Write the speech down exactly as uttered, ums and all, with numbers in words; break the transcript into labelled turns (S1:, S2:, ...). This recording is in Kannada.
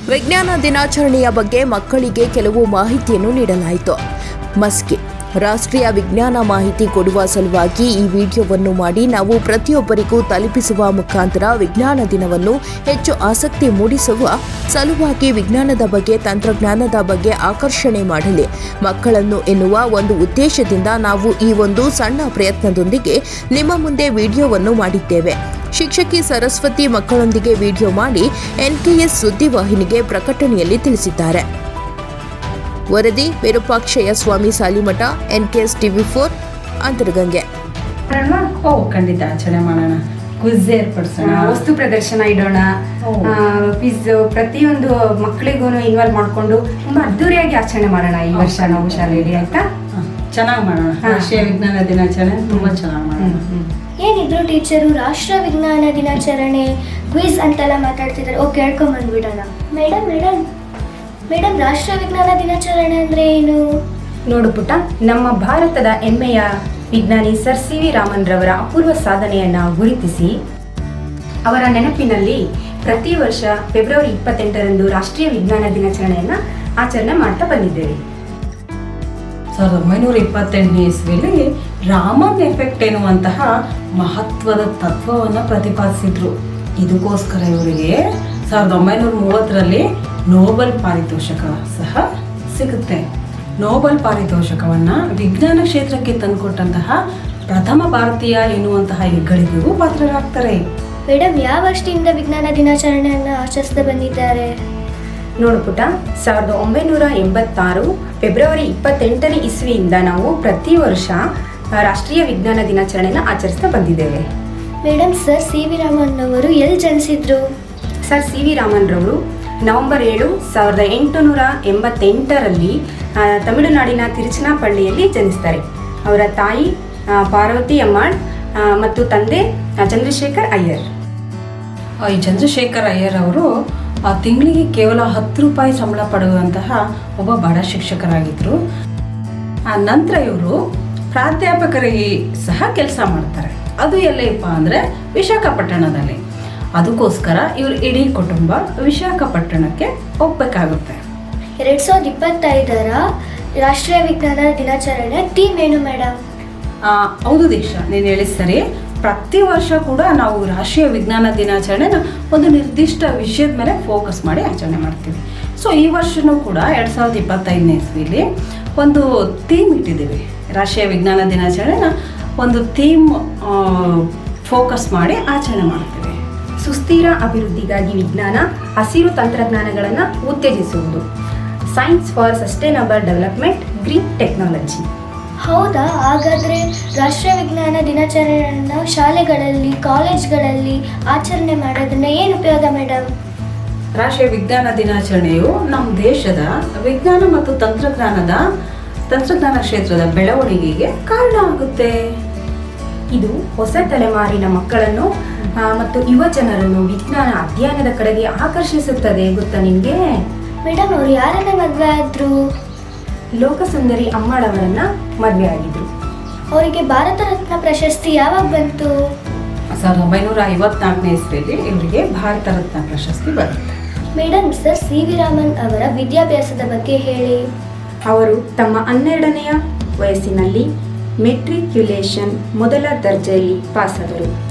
S1: ವಿಜ್ಞಾನ ದಿನಾಚರಣೆಯ ಬಗ್ಗೆ ಮಕ್ಕಳಿಗೆ ಕೆಲವು ಮಾಹಿತಿಯನ್ನು ನೀಡಲಾಯಿತು. ಮಸ್ಕಿ ರಾಷ್ಟ್ರೀಯ ವಿಜ್ಞಾನ ಮಾಹಿತಿ ಕೊಡುವ ಸಲುವಾಗಿ ಈ ವಿಡಿಯೋವನ್ನು ಮಾಡಿ ನಾವು ಪ್ರತಿಯೊಬ್ಬರಿಗೂ ತಲುಪಿಸುವ ಮುಖಾಂತರ ವಿಜ್ಞಾನ ದಿನವನ್ನು ಹೆಚ್ಚು ಆಸಕ್ತಿ ಮೂಡಿಸುವ ಸಲುವಾಗಿ ವಿಜ್ಞಾನದ ಬಗ್ಗೆ ತಂತ್ರಜ್ಞಾನದ ಬಗ್ಗೆ ಆಕರ್ಷಣೆ ಮಾಡಲಿ ಮಕ್ಕಳನ್ನು ಎನ್ನುವ ಒಂದು ಉದ್ದೇಶದಿಂದ ನಾವು ಈ ಒಂದು ಸಣ್ಣ ಪ್ರಯತ್ನದೊಂದಿಗೆ ನಿಮ್ಮ ಮುಂದೆ ವಿಡಿಯೋವನ್ನು ಮಾಡಿದ್ದೇವೆ. ಶಿಕ್ಷಕಿ ಸರಸ್ವತಿ ಮಕ್ಕಳೊಂದಿಗೆ ವಿಡಿಯೋ ಮಾಡಿ ಎನ್ಕೆಎಸ್ ಸುದ್ದಿವಾಹಿನಿಗೆ ಪ್ರಕಟಣೆಯಲ್ಲಿ ತಿಳಿಸಿದ್ದಾರೆ. ವರದಿ Virupakshaiah Swamy Salimath, NKS TV four, Antaragange.
S2: ಓ ಖಂಡಿತ ಆಚರಣೆ ಮಾಡೋಣ. ಕ್ವಿಜ್ ಏರ್ಪಡಿಸೋಣ,
S3: ವಸ್ತು ಪ್ರದರ್ಶನ ಇಡೋಣ, ಕ್ವಿಜ್ ಪ್ರತಿಯೊಂದು ಮಕ್ಕಳಿಗೂ ಇನ್ವಾಲ್ವ್ ಮಾಡಿಕೊಂಡು ತುಂಬಾ ಅದ್ದೂರಿಯಾಗಿ ಆಚರಣೆ ಮಾಡೋಣ ಈ ವರ್ಷ ನಾವು ಶಾಲೆಯಲ್ಲಿ. ಆಯ್ತಾ?
S2: ಚೆನ್ನಾಗಿ ಮಾಡೋಣ. ರಾಷ್ಟ್ರೀಯ ವಿಜ್ಞಾನ ದಿನಾಚರಣೆ ತುಂಬಾ ಚೆನ್ನಾಗಿ ಮಾಡೋಣ.
S4: ಏನಿದ್ರು ಟೀಚರು ರಾಷ್ಟ್ರ ವಿಜ್ಞಾನ ದಿನಾಚರಣೆ ಕ್ವಿಜ್ ಅಂತೆಲ್ಲ ಮಾತಾಡ್ತಿದ್ದಾರೆ. ಓಕೆ, ಹೇಳ್ಕೊಂಬಂದ್ಬಿಡೋಣ. ಮೇಡಮ್ ಮೇಡಮ್ ಮೇಡಮ್ ರಾಷ್ಟ್ರ ವಿಜ್ಞಾನ ದಿನಾಚರಣೆ ಅಂದ್ರೆ ಏನು?
S3: ನೋಡು ಪುಟ್ಟ, ನಮ್ಮ ಭಾರತದ ಹೆಮ್ಮೆಯ ವಿಜ್ಞಾನಿ ಸರ್ ಸಿ ವಿ ರಾಮನ್ ರವರ ಅಪೂರ್ವ ಸಾಧನೆಯನ್ನ ಗುರುತಿಸಿ ಅವರ ನೆನಪಿನಲ್ಲಿ ಪ್ರತಿ ವರ್ಷ ಫೆಬ್ರವರಿ ಇಪ್ಪತ್ತೆಂಟರಂದು ರಾಷ್ಟ್ರೀಯ ವಿಜ್ಞಾನ ದಿನಾಚರಣೆಯನ್ನ ಆಚರಣೆ ಮಾಡ್ತಾ ಬಂದಿದ್ದೇವೆ.
S2: ಸಾವಿರದ ಒಂಬೈನೂರ ಇಪ್ಪತ್ತೆಂಟನೇ ಇಸ್ವಿಯಲ್ಲಿ ರಾಮನ್ ಎಫೆಕ್ಟ್ ಎನ್ನುವಂತಹ ಮಹತ್ವದ ತತ್ವವನ್ನು ಪ್ರತಿಪಾದಿಸಿದ್ರು. ಇದಕ್ಕೋಸ್ಕರ ಇವರಿಗೆ ಸಾವಿರದ ಒಂಬೈನೂರ ಮೂವತ್ತರಲ್ಲಿ ನೋಬೆಲ್ ಪಾರಿತೋಷಕ ಸಹ ಸಿಗುತ್ತೆ. ನೋಬೆಲ್ ಪಾರಿತೋಷಕವನ್ನ ವಿಜ್ಞಾನ ಕ್ಷೇತ್ರಕ್ಕೆ ತಂದುಕೊಟ್ಟಂತಹ ಪ್ರಥಮ ಭಾರತೀಯ ಎನ್ನುವಂತಹ ಹೆಗ್ಗಳಿಕೆಗೂ ಪಾತ್ರರಾಗ್ತಾರೆ.
S4: ಮೇಡಮ್, ಯಾವ ವರ್ಷದಿಂದ ವಿಜ್ಞಾನ ದಿನಾಚರಣೆಯನ್ನು ಆಚರಿಸ್ತಾ ಬಂದಿದ್ದಾರೆ?
S3: ನೋಡು ಪುಟ, ಸಾವಿರದ ಒಂಬೈನೂರ ಎಂಬತ್ತಾರು ಫೆಬ್ರವರಿ ಇಪ್ಪತ್ತೆಂಟನೇ ಇಸ್ವಿಯಿಂದ ನಾವು ಪ್ರತಿ ವರ್ಷ ರಾಷ್ಟ್ರೀಯ ವಿಜ್ಞಾನ ದಿನಾಚರಣೆಯನ್ನು ಆಚರಿಸ್ತಾ ಬಂದಿದ್ದೇವೆ.
S4: Madam, sir C V Raman ಅವರು ಎಲ್ಲಿ ಜನಿಸಿದ್ರು?
S3: ಸರ್ ಸಿ ವಿ ರಾಮನ್ ರವರು ನವೆಂಬರ್ ಏಳು ಸಾವಿರದ ಎಂಟುನೂರ ಎಂಬತ್ತೆಂಟರಲ್ಲಿ ತಮಿಳುನಾಡಿನ ತಿರುಚನಾಪಳ್ಳಿಯಲ್ಲಿ ಜನಿಸ್ತಾರೆ. ಅವರ ತಾಯಿ ಪಾರ್ವತಿ ಅಮ್ಮಾಳ್ ಮತ್ತು ತಂದೆ ಚಂದ್ರಶೇಖರ್ ಅಯ್ಯರ್.
S2: ಈ ಚಂದ್ರಶೇಖರ್ ಅಯ್ಯರ್ ಅವರು ಆ ತಿಂಗಳಿಗೆ ಕೇವಲ ಹತ್ತು ರೂಪಾಯಿ ಸಂಬಳ ಪಡೆಯುವಂತಹ ಒಬ್ಬ ಬಡ ಶಿಕ್ಷಕರಾಗಿದ್ದರು. ಆ ನಂತರ ಇವರು ಪ್ರಾಧ್ಯಾಪಕರಿಗೆ ಸಹ ಕೆಲಸ ಮಾಡ್ತಾರೆ. ಅದು ಎಲ್ಲಪ್ಪ ಅಂದರೆ ವಿಶಾಖಪಟ್ಟಣದಲ್ಲಿ. ಅದಕ್ಕೋಸ್ಕರ ಇವರು ಇಡೀ ಕುಟುಂಬ ವಿಶಾಖಪಟ್ಟಣಕ್ಕೆ ಹೋಗ್ಬೇಕಾಗುತ್ತೆ.
S4: ಎರಡ್ ಸಾವಿರದ ಇಪ್ಪತ್ತೈದರ ರಾಷ್ಟ್ರೀಯ ವಿಜ್ಞಾನ ದಿನಾಚರಣೆ ಥೀಮ್ ಏನು ಮೇಡಮ್?
S2: ಹೌದು ದೀಕ್ಷಾ, ನೀನು ಹೇಳಿ ಸರಿ. ಪ್ರತಿ ವರ್ಷ ಕೂಡ ನಾವು ರಾಷ್ಟ್ರೀಯ ವಿಜ್ಞಾನ ದಿನಾಚರಣೆನ ಒಂದು ನಿರ್ದಿಷ್ಟ ವಿಷಯದ ಮೇಲೆ ಫೋಕಸ್ ಮಾಡಿ ಆಚರಣೆ ಮಾಡ್ತೀವಿ. ಸೊ ಈ ವರ್ಷವೂ ಕೂಡ ಎರಡು ಸಾವಿರದ ಇಪ್ಪತ್ತೈದನೇ ಇಸ್ವಿಲಿ ಒಂದು ಥೀಮ್ ಇಟ್ಟಿದ್ದೀವಿ. ರಾಷ್ಟ್ರೀಯ ವಿಜ್ಞಾನ ದಿನಾಚರಣೆನ ಒಂದು ಥೀಮ್ ಫೋಕಸ್ ಮಾಡಿ ಆಚರಣೆ ಮಾಡ್ತೀವಿ.
S3: ಸುಸ್ಥಿರ ಅಭಿವೃದ್ಧಿಗಾಗಿ ವಿಜ್ಞಾನ, ಹಸಿರು ತಂತ್ರಜ್ಞಾನಗಳನ್ನು ಉತ್ತೇಜಿಸುವುದು, science for sustainable development, green technology.
S4: ಹೌದಾ? ಹಾಗಾದರೆ ರಾಷ್ಟ್ರೀಯ ವಿಜ್ಞಾನ ದಿನಾಚರಣೆಯನ್ನು ಶಾಲೆಗಳಲ್ಲಿ, ಕಾಲೇಜ್ಗಳಲ್ಲಿ ಆಚರಣೆ ಮಾಡೋದ್ರಿಂದ ಏನು ಉಪಯೋಗ ಮೇಡಮ್?
S2: ರಾಷ್ಟ್ರೀಯ ವಿಜ್ಞಾನ ದಿನಾಚರಣೆಯು ನಮ್ಮ ದೇಶದ ವಿಜ್ಞಾನ ಮತ್ತು ತಂತ್ರಜ್ಞಾನದ ತಂತ್ರಜ್ಞಾನ ಕ್ಷೇತ್ರದ ಬೆಳವಣಿಗೆಗೆ ಕಾರಣ ಆಗುತ್ತೆ.
S3: ಇದು ಹೊಸ ತಲೆಮಾರಿನ ಮಕ್ಕಳನ್ನು ಮತ್ತು ಯುವ ಜನರನ್ನು ವಿಜ್ಞಾನ ಅಧ್ಯಯನದ ಕಡೆಗೆ ಆಕರ್ಷಿಸುತ್ತದೆ. ಗೊತ್ತಾ ನಿಮಗೆ?
S4: ಮೇಡಮ್, ಅವರು ಯಾರನ್ನ ಮದುವೆ ಆದ್ರು?
S3: ಲೋಕಸುಂದರಿ ಅಮ್ಮಾಳ್ ಅವರನ್ನ ಮದುವೆ ಆಗಿದ್ರು.
S4: ಅವರಿಗೆ ಭಾರತ ರತ್ನ ಪ್ರಶಸ್ತಿ ಯಾವಾಗ ಬಂತು?
S2: ಸಾವಿರದ ಒಂಬೈನೂರ ಐವತ್ನಾಲ್ಕನೇ ಇಸ್ವಿಯಲ್ಲಿ ಇವರಿಗೆ ಭಾರತ ರತ್ನ ಪ್ರಶಸ್ತಿ ಬರುತ್ತೆ.
S4: Madam, sir C V Raman ಅವರ ವಿದ್ಯಾಭ್ಯಾಸದ ಬಗ್ಗೆ ಹೇಳಿ.
S3: ಅವರು ತಮ್ಮ ಹನ್ನೆರಡನೆಯ ವಯಸ್ಸಿನಲ್ಲಿ ಮೆಟ್ರಿಕ್ಯುಲೇಷನ್ ಮೊದಲ ದರ್ಜೆಯಲ್ಲಿ ಪಾಸಾದರು.